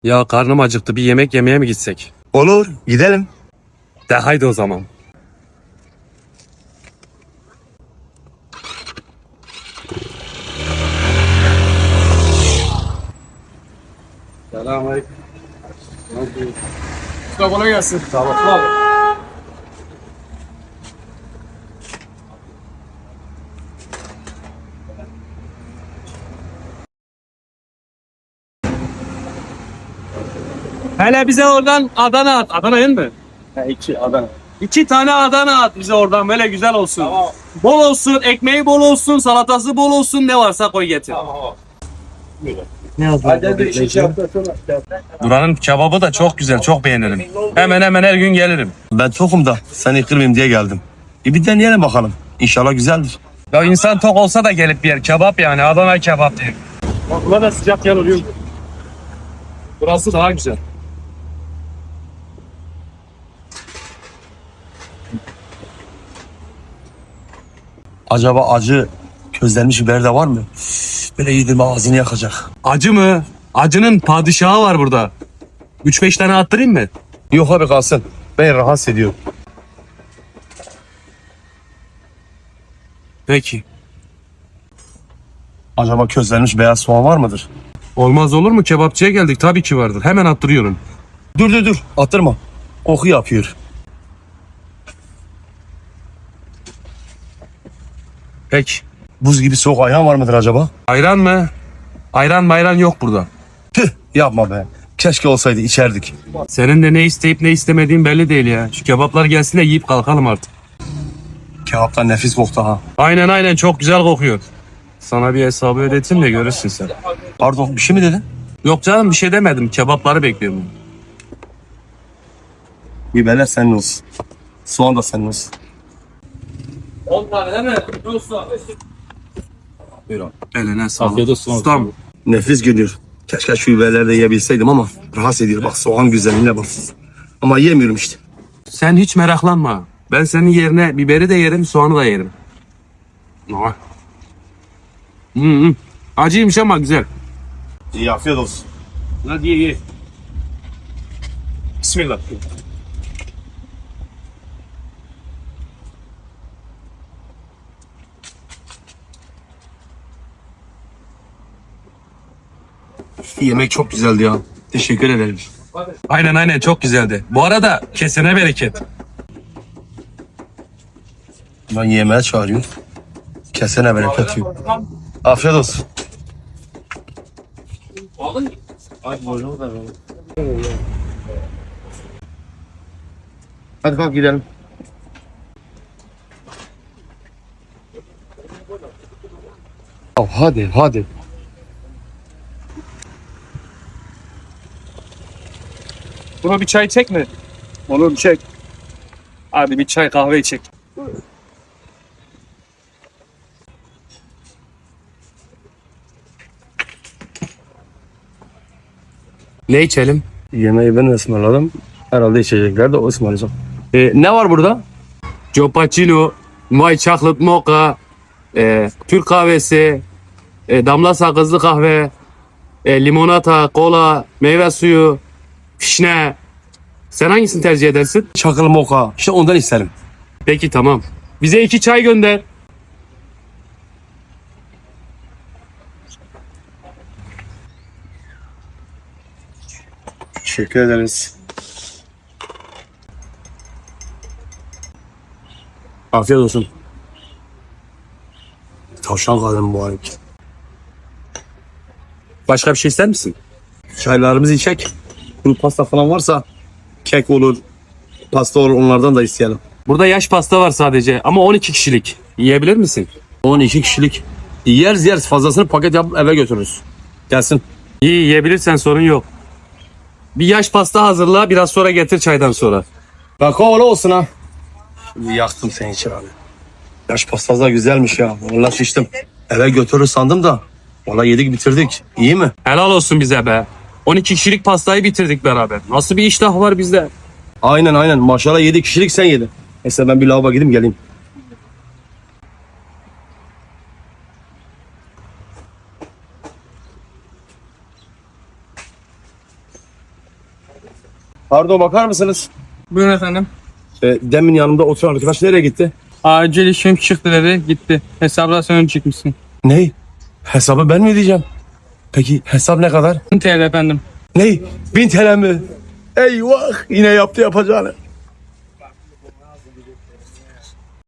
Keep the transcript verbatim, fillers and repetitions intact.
Ya karnım acıktı, bir yemek yemeye mi gitsek? Olur, gidelim. De haydi o zaman. Selamünaleyküm. Usta kolay gelsin. Sağ ol. Hele bize oradan Adana at. Adana değil mi? He, iki Adana. İki tane Adana at bize oradan, böyle güzel olsun. Tamam. Bol olsun, ekmeği bol olsun, salatası bol olsun, ne varsa koy getir. Tamam. Ne Hadi de işi yaptı sonra. Buranın kebabı da çok güzel, çok beğenirim. Hemen hemen her gün gelirim. Ben tokum da seni kırmayayım diye geldim. E bir deneyelim bakalım. İnşallah güzeldir. Ya insan tok olsa da gelip bir yer kebap, yani Adana kebap diye. Bak burada da sıcak yer oluyor. Burası daha güzel. Acaba acı közlenmiş biber de var mı? Üf, böyle yedirme ağzını yakacak. Acı mı? Acının padişahı var burada. Üç beş tane attırayım mı? Yok abi kalsın. Ben rahatsız ediyorum. Peki. Acaba közlenmiş beyaz soğan var mıdır? Olmaz olur mu? Kebapçıya geldik. Tabii ki vardır. Hemen attırıyorum. Dur dur dur attırma. Koku yapıyor. Peki. Buz gibi soğuk ayran var mıdır acaba? Ayran mı? Ayran mayran yok burada. Tüh yapma be. Keşke olsaydı içerdik. Senin de ne isteyip ne istemediğin belli değil ya. Şu kebaplar gelsin de yiyip kalkalım artık. Kebaptan nefis koktu ha. Aynen aynen, çok güzel kokuyor. Sana bir hesabı ödeteyim de görürsün sen. Pardon bir şey mi dedin? Yok canım, bir şey demedim. Kebapları bekliyorum. Biberler senin olsun. Soğan da senin olsun. on tane değil mi? Usta. Buyur abi. Eline sağlık. Afiyet olsun. Ustam. Nefis görünüyor. Keşke şu biberleri de yiyebilseydim ama rahatsız ediyor. Bak soğan güzelliğine bak. Ama yemiyorum işte. Sen hiç meraklanma. Ben senin yerine biberi de yerim, soğanı da yerim. Ah. Hmm, hmm. Acıymış ama güzel. İyi afiyet olsun. Hadi ye ye. Bismillah. Yemek çok güzeldi ya. Teşekkür ederim. Aynen aynen, çok güzeldi. Bu arada kesene bereket. Ben yemeğe çağırıyorum. Kesene bereket yok. Afiyet olsun. Hadi kalk gidelim. Oh, hadi hadi. Buna bir çay çek mi? Olur, çek. Hadi bir çay kahve çek. Ne içelim? Yemeği ben ısmarladım. Herhalde içecekler de o ısmarlayacak. Ee, ne var burada? Cappuccino, White Chocolate Mocha, e, Türk kahvesi, e, damla sakızlı kahve, e, limonata, kola, meyve suyu, fişne. Sen hangisini tercih edersin? Çakıl moka. İşte ondan isterim. Peki tamam. Bize iki çay gönder. Teşekkür ederiz. Afiyet olsun. Tavşan kaldım mübarek. Başka bir şey ister misin? Çaylarımızı içek. Kuru pasta falan varsa kek olur, pasta olur onlardan da isteyelim. Burada yaş pasta var sadece ama on iki kişilik. Yiyebilir misin? on iki kişilik. Yeriz yeriz fazlasını paket yapıp eve götürürüz. Gelsin. İyi, yiyebilirsen sorun yok. Bir yaş pasta hazırla, biraz sonra getir çaydan sonra. Kakaolu olsun ha. Şimdi yaktım seni için abi. Yaş pastası da güzelmiş ya. Vallahi şiştim. Eve götürür sandım da. Vallahi yedik bitirdik. İyi mi? Helal olsun bize be. on iki kişilik pastayı bitirdik beraber. Nasıl bir iştah var bizde? Aynen aynen. Maşallah yedi kişilik sen yedin. Neyse ben bir lavaboya gideyim geleyim. Pardon, bakar mısınız? Buyurun efendim. E, demin yanımda oturan arkadaş nereye gitti? Acil işim çıktı dedi gitti. Hesaplasyon çıkmışsın. Ne? Hesabı ben mi ödeyeceğim? Peki hesap ne kadar? bin T L efendim. Ne? Bin T L mi? Eyvah, yine yaptı yapacağını.